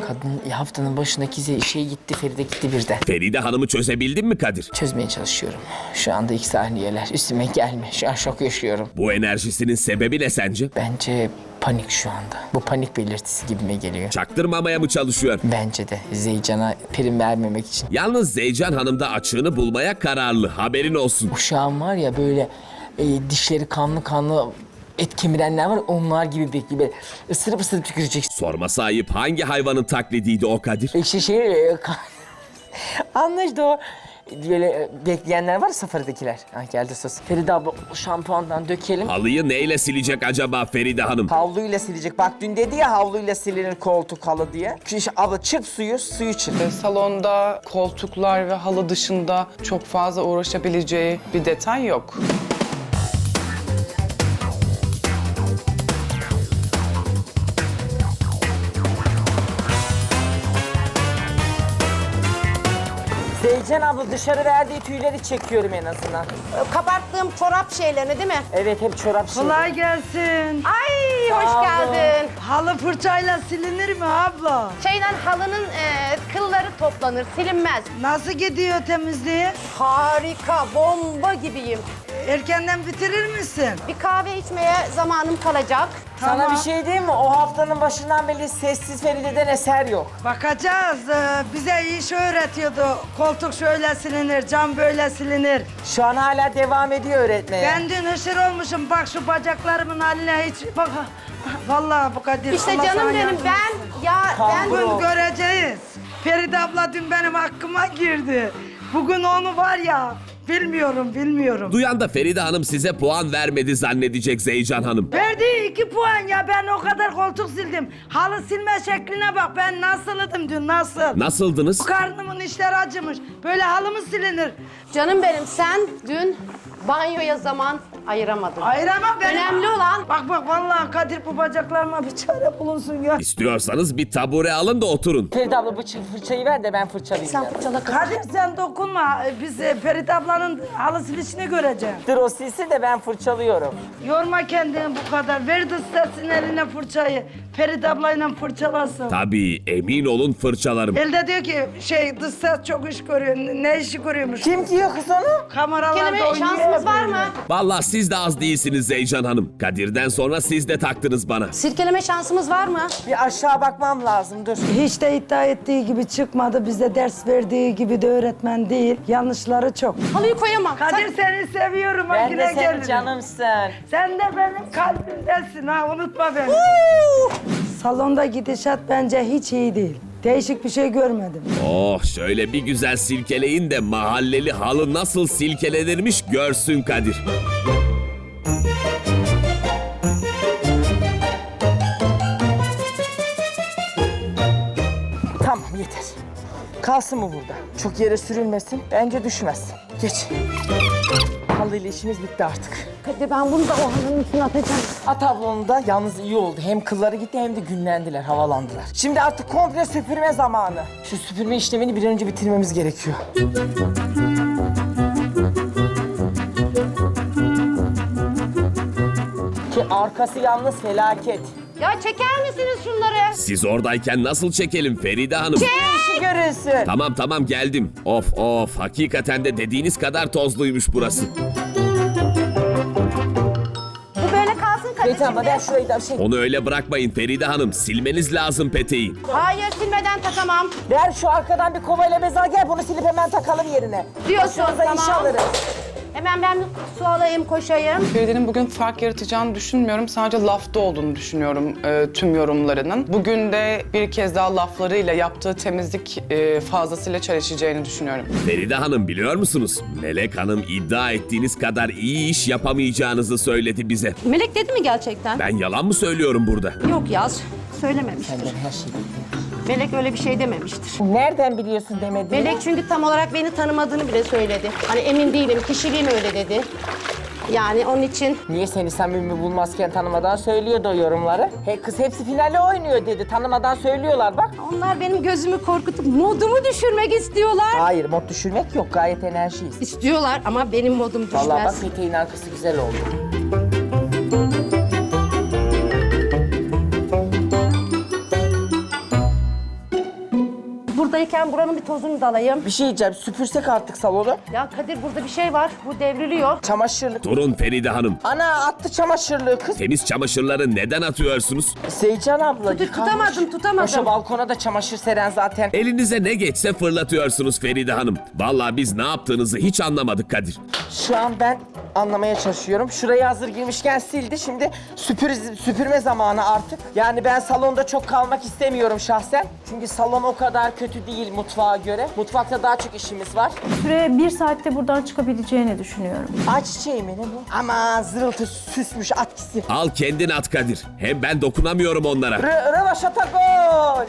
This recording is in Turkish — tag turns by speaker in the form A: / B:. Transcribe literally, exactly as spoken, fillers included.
A: Kadın haftanın başındaki ze- şey gitti, Feride gitti bir de.
B: Feride Hanım'ı çözebildin mi Kadir?
A: Çözmeye çalışıyorum. Şu anda ilk saniyeler. Üstüme gelme. Şu an şok yaşıyorum.
B: Bu enerjisinin sebebi ne sence?
A: Bence panik şu anda. Bu panik belirtisi gibime geliyor.
B: Çaktırmamaya mı çalışıyor?
A: Bence de Zeycan'a prim vermemek için.
B: Yalnız Zeycan Hanım da açığını bulmaya kararlı. Haberin olsun.
A: Uşağım var ya böyle e, dişleri kanlı kanlı et kemirenler var, onlar gibi bekliyor. Böyle ısırıp ısırıp tükürecek.
B: Sorması ayıp, hangi hayvanın taklidiydi o Kadir?
A: İşte şey... E, kan- Anlaşıldı o. Böyle e, bekleyenler var ya, safaridekiler. Ha, geldi sos. Feride abla o şampuandan dökelim.
B: Halıyı neyle silecek acaba Feride Hanım?
A: Havluyla silecek. Bak dün dedi ya havluyla silinir koltuk halı diye. Şu abla çırp suyu, suyu çırp.
C: Salonda koltuklar ve halı dışında çok fazla uğraşabileceği bir detay yok.
A: Zeycan abla dışarı verdiği tüyleri çekiyorum en azından.
D: Kabarttığım çorap şeylerini değil mi?
A: Evet hep çorap şey.
E: Kolay gelsin.
D: Ay hoş
A: Sağ olun.
D: geldin.
E: Halı fırçayla silinir mi abla?
D: Şeyden halının e, kılları toplanır, silinmez.
E: Nasıl gidiyor temizliği?
D: Harika, bomba gibiyim.
E: Erkenden bitirir misin?
D: Bir kahve içmeye zamanım kalacak.
A: Sana
E: Tamam.
A: bir şey diyeyim mi? O haftanın başından beri sessiz Feride'den eser yok.
E: Bakacağız. Ee, bize iş öğretiyordu. Koltuk şöyle silinir, cam böyle silinir.
A: Şu an hala devam ediyor öğretmeye.
E: Ben dün hışır olmuşum. Bak şu bacaklarımın haline hiç... Bak, vallahi bu Kadir.
D: İşte
E: Allah
D: canım
E: sana
D: benim
E: yardım
D: ben ya ben
E: Bugün göreceğiz. Feride abla dün benim hakkıma girdi. Bugün onu var ya, bilmiyorum, bilmiyorum.
B: Duyan da Feride Hanım size puan vermedi zannedecek Zeycan Hanım.
E: Verdiği iki puan ya, ben o kadar koltuk sildim. Halı silme şekline bak, ben nasıldım dün, nasıl?
B: Nasıldınız?
E: Karnımın işleri acımış. Böyle halı mı silinir?
D: canım benim sen dün banyoya zaman ayıramadın.
E: Ayıramam benim.
D: Önemli olan
E: Bak bak vallahi Kadir, bu bacaklarıma bir çare bulunsun ya.
B: İstiyorsanız bir tabure alın da oturun.
A: Feride abla bu çı- fırçayı ver de ben fırçalayayım.
D: sen
A: ya.
D: fırçala kız.
E: Kadir sen dokunma. Biz e, Ferit ablanın halı silişini göreceğiz.
A: Dur o silsin de ben fırçalıyorum.
E: Yorma kendini bu kadar. Ver dıstasın eline fırçayı. Ferit ablayla fırçalasın.
B: Tabii, emin olun fırçalarım.
E: Elde diyor ki şey dış ses çok iş görüyor. Ne işi görüyormuş?
A: Kim diyor kız onu?
E: Kameralarda
D: Kelime
E: oynuyor.
D: şansımız var mı?
B: Vallahi siz de az değilsiniz Zeycan Hanım. Kadir'den sonra siz de taktınız bana.
D: Sirkeleme şansımız var mı?
A: Bir aşağı bakmam lazım dur.
E: Hiç de iddia ettiği gibi çıkmadı. Bize ders verdiği gibi de öğretmen değil. Yanlışları çok.
D: Halıyı koyamam.
E: Kadir seni seviyorum.
A: Ben
E: Akile
A: de senin
E: gelirim.
A: canımsın.
E: Sen de benim kalbimdesin ha, unutma beni. Salonda gidişat bence hiç iyi değil. Değişik bir şey görmedim.
B: Oh, şöyle bir güzel silkeleyin de mahalleli halı nasıl silkelenirmiş görsün Kadir.
A: Tamam yeter. Kalsın mı burada? Çok yere sürülmesin. Bence düşmez. Geç. Halıyla işimiz bitti artık.
D: Hadi ben bunu da o halının üstüne atacağım.
A: At tablonu da yalnız iyi oldu. Hem kılları gitti hem de günlendiler, havalandılar. Şimdi artık komple süpürme zamanı. Şu süpürme işlemini bir an önce bitirmemiz gerekiyor. Ki arkası yalnız felaket.
D: Ya çeker misiniz şunları?
B: Siz oradayken nasıl çekelim Feride Hanım?
A: İşi görülsün.
B: Tamam tamam geldim. Of of, hakikaten de dediğiniz kadar tozluymuş burası.
D: Bu böyle kalsın Kadir
A: Peki ama
D: şimdi.
A: ben şurayı da şey...
B: Onu öyle bırakmayın Feride Hanım. Silmeniz lazım peteği.
D: Hayır silmeden takamam.
A: Ver şu arkadan bir kovayla bez al, gel bunu silip hemen takalım yerine.
D: Diyorsun,
A: Başımıza iş
D: tamam.
A: alırız.
D: Hemen ben su alayım koşayım.
C: Feride'nin bugün fark yaratacağını düşünmüyorum. Sadece lafta olduğunu düşünüyorum e, tüm yorumlarının. Bugün de bir kez daha laflarıyla yaptığı temizlik e, fazlasıyla çelişeceğini düşünüyorum.
B: Feride Hanım biliyor musunuz? Melek Hanım iddia ettiğiniz kadar iyi iş yapamayacağınızı söyledi bize.
D: Melek dedi mi gerçekten?
B: Ben yalan mı söylüyorum burada?
D: Yok Yaz, söylememiştir.
A: Senden her şeyi bekliyorum.
D: Melek öyle bir şey dememiştir.
A: Nereden biliyorsun demediğini?
D: Melek çünkü tam olarak beni tanımadığını bile söyledi. Hani emin değilim, kişiliğim öyle dedi. Yani onun için
A: Niye seni samimi bulmazken tanımadan söylüyordu o yorumları? He kız hepsi finale oynuyor dedi. Tanımadan söylüyorlar bak.
D: onlar benim gözümü korkutup modumu düşürmek istiyorlar.
A: Hayır mod düşürmek yok, gayet enerjiyiz.
D: İstiyorlar ama benim modum düşmez.
A: Vallahi bak peteğin arkası güzel oldu.
D: buradayken buranın bir tozunu da alayım.
A: Bir şey diyeceğim, süpürsek artık salonu.
D: Ya Kadir burada bir şey var. Bu devriliyor.
A: Çamaşırlık.
B: Durun Feride Hanım.
A: Ana attı çamaşırlığı kız.
B: Temiz çamaşırları neden atıyorsunuz?
A: Seycan abla
D: Tut-
A: yıkanmış.
D: tutamadım, tutamadım.
A: Boşa balkona da çamaşır seren zaten.
B: Elinize ne geçse fırlatıyorsunuz Feride Hanım. Vallahi biz ne yaptığınızı hiç anlamadık Kadir.
A: Şu an ben anlamaya çalışıyorum. Şurayı hazır girmişken sildi. Şimdi süpür, süpürme zamanı artık. Yani ben salonda çok kalmak istemiyorum şahsen. Çünkü salon o kadar kötü değil mutfağa göre. Mutfakta daha çok işimiz var.
F: Süre bir saatte buradan çıkabileceğini düşünüyorum.
A: Ay çiçeği mi ne bu? Aman zırıltı süsmüş at gitsin.
B: Al kendin at Kadir. Hem ben dokunamıyorum onlara.
A: Rövaşata gol.